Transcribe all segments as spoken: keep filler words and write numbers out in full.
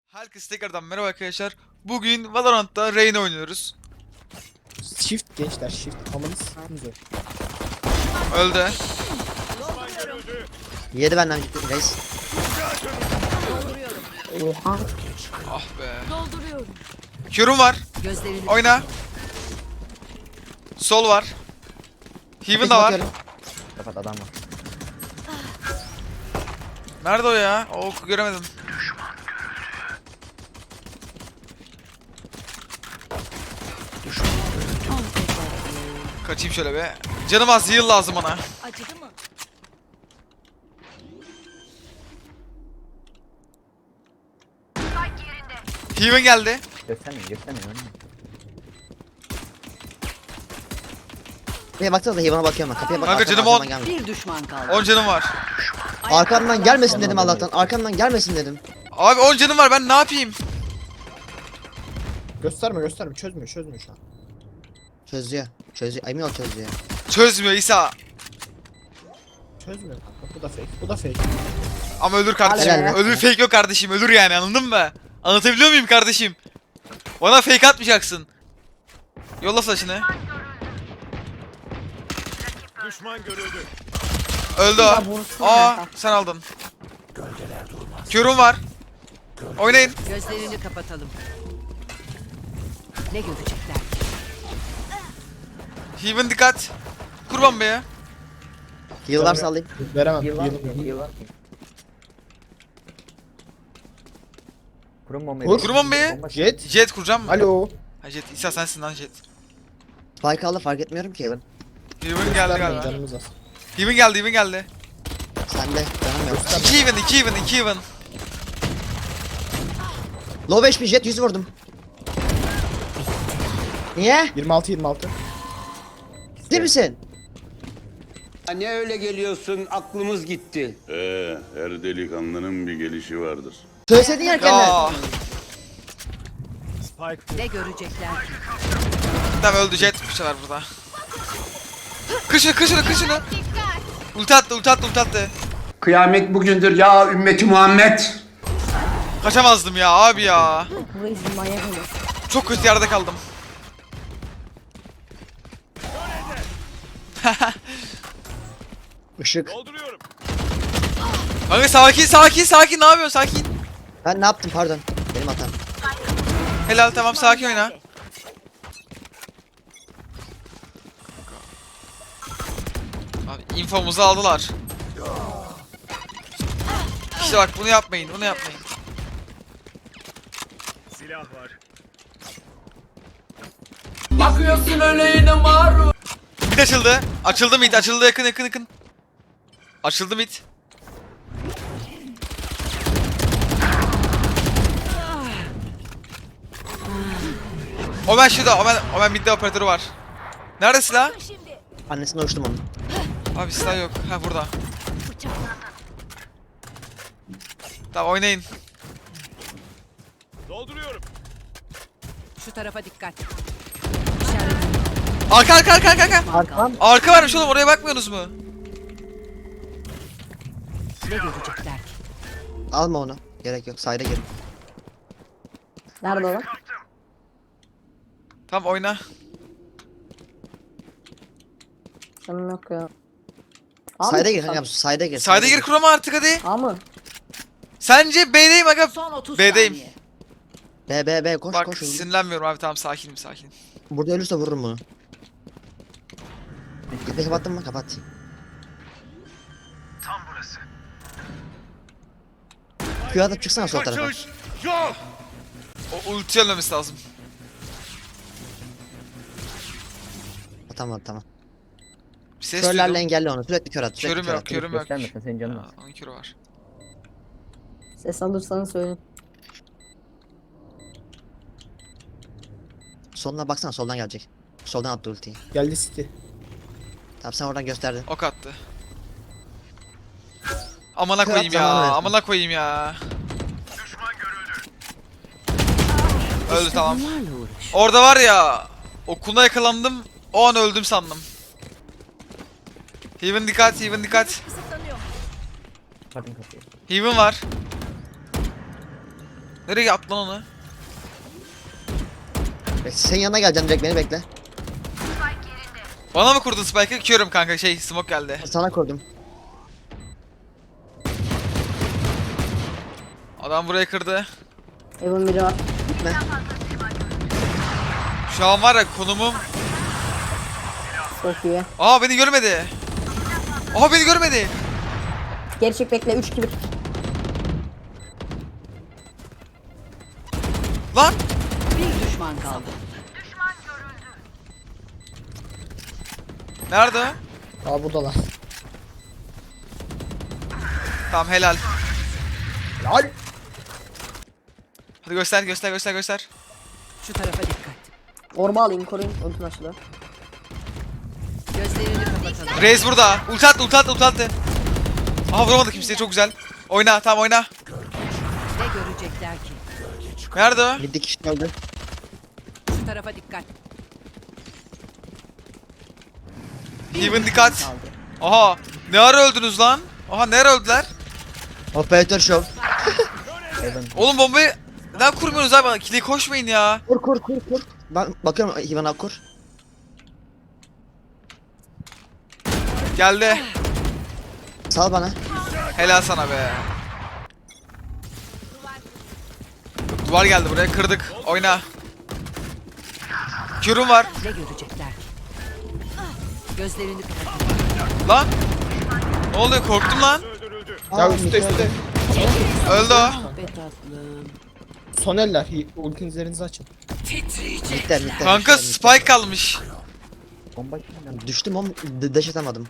Herkese tekrardan merhaba arkadaşlar. Bugün Valorant'ta Reyna oynuyoruz. Shift gençler, shift. Amanı s**tınız o. Öldü. Yedi benden gitti reis. Oha. Ah be. Dolduruyorum. Q'rum var. Gözlerini Oyna. Sol var. Heaven da var. Bakıyorum. Kapat adam var. Nerede o ya? O oku göremedim. Kaçayım şöyle be. Canım az, heal lazım bana. acıdı mı? Heaven geldi. Göstermeyin, göstermeyin. Kapıya baksanıza Heaven'a bakıyorum ben. Kapıya bak. Kanka, arkamdan- canım on. arkamdan gelme. Bir düşman kaldı. on canım var. Arkamdan gelmesin dedim Allah'tan. Arkamdan gelmesin dedim. Abi on canım var, ben ne yapayım? Gösterme gösterme, çözmüyor çözmüyor şu an. Çözüyor. Çözüyor. Emin ol çözüyor. Çözmüyor İsa. Çözmüyor kanka, bu da fake, bu da fake. Ama ölür kardeşim. Helal lan. Ölür, fake yok kardeşim. Ölür yani, anladın mı? Anlatabiliyor muyum kardeşim? Bana fake atmayacaksın. Yolla flash'ını. Düşman görüldü. Öldü o. Aa, sen aldın. Q'rum var. Oynayın. Gözlerini kapatalım. Ne görecekler? Heaven dikkat. Kurban be ya. Heal varsa alayım. Veremem. Yıl var mı? Yıl- Yıl var mı? Kurun bombayı. Kur. Kurban be. Bomba- Jet. Jet kuracağım mı? Alo. Ha, Jet. İsa sensin lan Jet. Spike aldı fark etmiyorum ki Heaven. Heaven geldi Göstermeyin, galiba. canımız az. Heaven geldi, Heaven geldi. Sende. Canım yok. iki Heaven, iki Heaven, iki Heaven. Low beş bir jet yüz vurdum. Niye? yirmi altı yirmi altı. Ciddi misin? Ne öyle geliyorsun, aklımız gitti. Ee, her delikanlının bir gelişi vardır. Söyleseydin yerken Ya. Ne görecekler ki? Tamam, öldü Jet. Bir şeyler burada. Kır şunu, kır şunu, kır şunu. Ulti attı, ulti attı, ulti attı. Kıyamet bugündür ya ümmeti Muhammed. Kaçamazdım ya abi ya. Çok kötü yerde kaldım. Işık. Dolduruyorum. Kanka sakin, sakin, sakin. Ne yapıyorsun? Sakin. Ben ne yaptım pardon. Benim hatam. Helal, tamam, sakin oyna. Abi infomuzu aldılar. İşte bak, bunu yapmayın, bunu yapmayın. Silah var. Mid açıldı. Açıldı mid, açıldı, yakın yakın yakın. Açıldı mid. Omen şurada, Omen, Omen midde operatörü var. Nerede silah? Annesine uçtum onu. Abi silah yok. Ha, burada. Tamam, oynayın. Dolduruyorum. Şu tarafa dikkat. İşaret. Arka arka arka arka arka. Arkam. Arka varmış oğlum, oraya bakmıyorsunuz mu? Ne görecekler ki? Alma onu. Gerek yok. Sayda gir. Nerede o lan? Tamam, oyna. Canım yok ya. A mı? Sayda gir kankam. Sayda gir. Sayda gir, kurama artık hadi. A mı? Sence B'deyim aga. Son otuz B'deyim. saniye. B B B koş Bak, koş. hızlı. sinirlenmiyorum abi, tamam, sakinim sakinim. Burada ölürse vururum bunu. İpi kapattın mı? Kapat. Q atıp çıksana sol tarafa. Kaçış yok. O ulti ölmemesi lazım. Ha, Tamam tamam. Bir ses Körlerle duydum. engelle onu. Sürekli kör at. Sürekli Körüm kör yok, at. körüm yok. Göstermesin, senin canın Aa, az. onun körü var. Ses alırsanız söyleyin. Soluna baksana soldan gelecek. Soldan attı ultiyi. Geldi City. Tamam sen oradan gösterdin. Ok attı. Amına Kör koyayım at, zamanı ya. versin. Amına koyayım ya. Öldü, tamam. Bunlarla uğraş. Orada var ya. Okuluna yakalandım. O an öldüm sandım. Heaven dikkat, Heaven dikkat. Kapatın kapıyı. Heaven var. Nereye attı lan onu? Bekle, senin yanına geleceğim direkt beni bekle. Bana mı kurdun spike'ı? Körüm kanka şey smoke geldi. Sana kurdum. Adam burayı kırdı. Evin biri var. Gitme. Şu an var ya konumum. Çok iyi. Aa beni görmedi. Aa beni görmedi. Geri çek bekle. üç iki bir. Lan. Bir düşman kaldı. Nerede o? Aa buradalar. Tamam helal. Lol. Hadi göster göster göster göster. Şu tarafa dikkat. Orba alayım koruyun. Ultim açılıyor. Gözlerini kapatalım. Reis burada. Ulti attı ulti attı ulti attı. Aha vuramadı kimseye çok güzel. Oyna tamam oyna. Ne görecekler ki? Nerede o? Bir dikiş öldü. Şu tarafa dikkat. Heaven dikkat. Aha ne ara öldünüz lan? Aha ne ara öldüler? Operatör şov. Oğlum bombayı neden kurmuyorsunuz abi? Kili koşmayın ya. Kur kur kur kur. Ben bakıyorum Ivan abi kur. Geldi. Sal bana. Helal sana be. Duvar geldi buraya kırdık. Oyna. Kürüm var. Ne görecekler ki? Gözlerini kapatalım. Lan. Ne oluyor korktum lan. Öldürüldü. Ya Aa, üstte üstte. Öldü o. Be tatlım. Son eller. Hi- Ultinizlerinizi açın. Titriyecek. Bitter bitter. Kanka spike kalmış. Bomba kimden? Düştüm oğlum. d- Dash atamadım.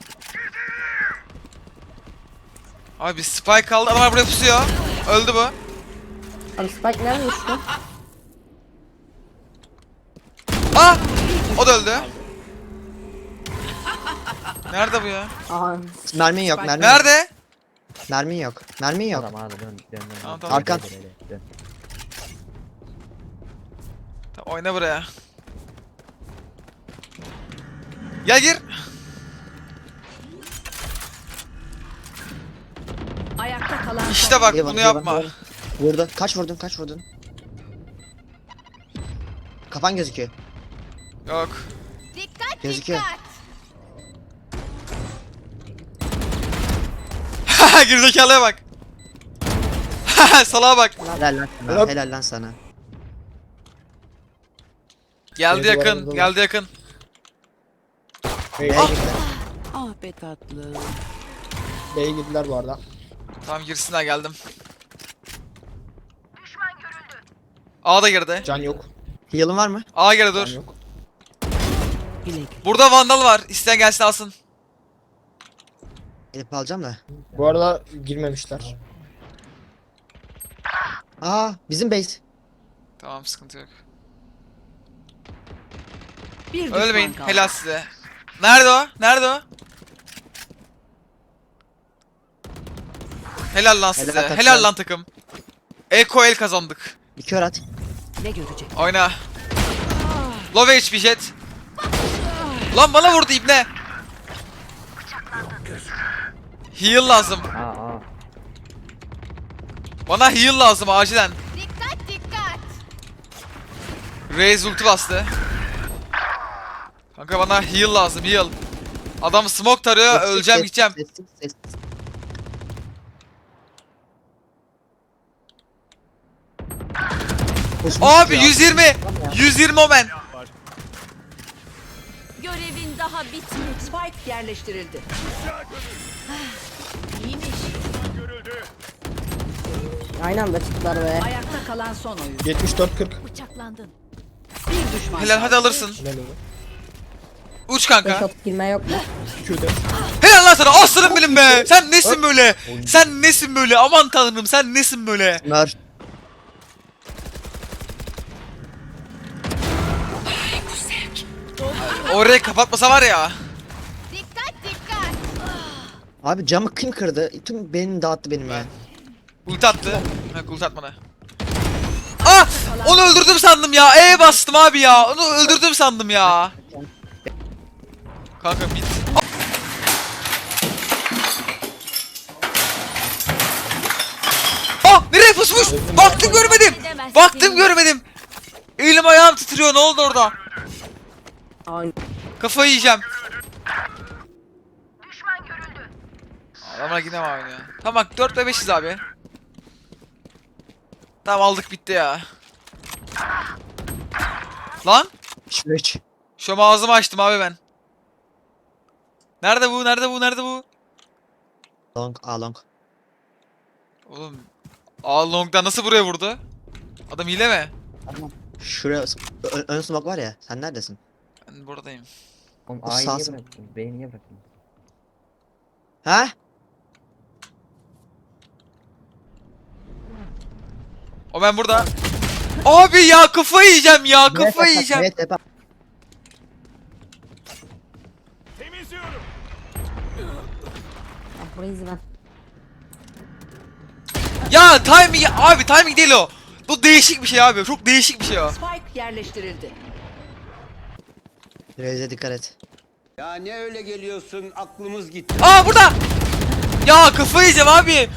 Abi spike kaldı. Adamlar buraya pusuyor. Öldü bu. Abi Spike nerede düştü? Ah! O da öldü. Nerede bu ya? Aha. Mermin yok mermin yok. Nerede? Mermin yok. Mermin yok. Tamam abi dön dön dön. Tamam, tamam. Arkan. Dön, dön, dön. Tamam, oyna buraya. Gel gir. Ayakta kalan İşte bak İyi bunu iyi yapma. Vurdu. Kaç vurdun kaç vurdun? Kafan gözüküyor. Yok. Gözüküyor. Gerizekalıya bak. Salağa bak. Helal lan sana. Helal. Helal lan sana. Geldi Biri yakın. duvarımızda Geldi yakın. B'ye Ah! girdiler. Ah be tatlım. B'ye girdiler bu arada. Tamam girsinler geldim. A da girdi. Can yok. Heal'ın var mı? A girdi Can dur. yok. Bilek. Burada vandal var. İsteyen gelsin alsın. Elip alacağım da. Bu arada girmemişler. Aa bizim base. Tamam sıkıntı yok. Bir düşman Ölmeyin. kaldı. Helal size. Nerede o? Nerede o? Helal lan size. Helal Helal, takım. lan takım. Eko el kazandık. Bir kör at. Ne görecek? Oyna. Low H P jet. Lan bana vurdu ibne. Heal lazım. Aa aa. Bana heal lazım acilen. Raze ulti bastı. Kanka bana heal lazım heal. Adam smoke tarıyor Sessiz, öleceğim sessiz, gideceğim. Sessiz, sessiz. Kusmuş Abi ya. yüz yirmi. yüz yirmi omen. Görevin daha bitmedi. Spike yerleştirildi. Görüldü. Aynı anda çıktılar be. Ayakta kalan son oyun. yetmiş dört kırk. Bıçaklandın. Bir düşman Helal kaldı. hadi alırsın. Helal oldu. Uç Beş kanka. atıp girme yok mu? Q'de. Helal lan sana aslanım benim be. Sen nesin böyle? Sen nesin böyle? Aman tanrım sen nesin böyle? Mer. Orayı kapatmasa var ya. Abi camı kim kırdı? Tüm beynini dağıttı benim ya. Ulti attı. Ha ulti atmadı. Ah! Onu öldürdüm sandım ya. E bastım abi ya. Onu öldürdüm sandım ya. Kanka bit. Ah! Nereye pusmuş? Yokmuş. Baktım görmedim. Baktım görmedim. Elim ayağım titriyor. Ne oldu orada? Aynen. Kafayı yiyeceğim. Adamlar yine mi oynuyor? Tamam bak dört ve beşiz abi. Tamam aldık bitti ya. Lan? Üç. Şu an ağzımı açtım abi ben. Nerede bu? Nerede bu? Nerede bu? Long, A long. Oğlum. Aa long'dan nasıl buraya vurdu? Adam hile mi? Şuraya ön, ön smoke var ya. Sen neredesin? Ben buradayım. Oğlum O A'yı niye sağ- bıraktın? B'yi niye bıraktın? Ha? O ben burada. Abi ya kafayı yiyeceğim ya kafayı yiyeceğim. Evet, evet. Temizliyorum. Ya burayı izle ben. Ya timing abi timing değil o. Bu değişik bir şey abi. Çok değişik bir şey o. Spike yerleştirildi. Reis'e dikkat et. Ya ne öyle geliyorsun? Aklımız gitti. Aa burada. Ya kafayı yiyeceğim abi.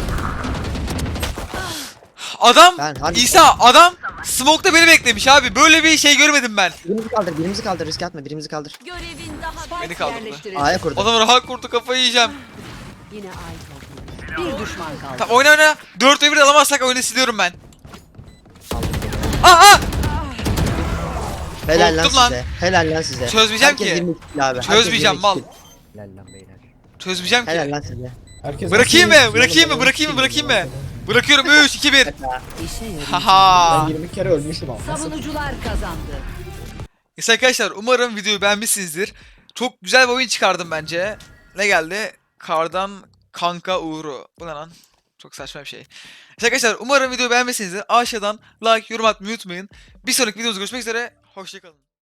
Adam Ben hadi. İsa adam smoke'ta beni beklemiş abi. Böyle bir şey görmedim ben. Birimizi kaldır, birimizi kaldır. Riske atma, birimizi kaldır. Görevin daha Beni Spike kaldırdı. yerleştirildi. A'ya kurdu. Adam rahat kurdu kafayı yiyeceğim. Yine ait oldu. Bir düşman kaldı. Tamam oyna oyna. dört ve bir alamazsak oyunu siliyorum ben. Aa aa. Helal lan korktum lan. size. Helal lan size. Çözmeyeceğim Herkes ki. yirmi kill abi. Herkes Çözmeyeceğim yirmi mal. kill. Helal lan beyler. Çözmeyeceğim Helal ki. lan size. Herkes Bırakayım nasıl mı? Bırakayım mı? yirmi Bırakayım mı? kill Bırakayım mı? zaten. Bırakıyorum üç iki bir. İşe yarıyor. Haha. Ben yirmi kere ölmüşüm ama. Nasıl? Savunucular kazandı. Neyse arkadaşlar umarım videoyu beğenmişsinizdir. Çok güzel bir oyun çıkardım bence. Ne geldi? Kardan kanka uğru. Bu ne lan? Çok saçma bir şey. Neyse arkadaşlar umarım videoyu beğenmişsinizdir. Aşağıdan like, yorum atmayı unutmayın. Bir sonraki videomuzda görüşmek üzere. Hoşçakalın.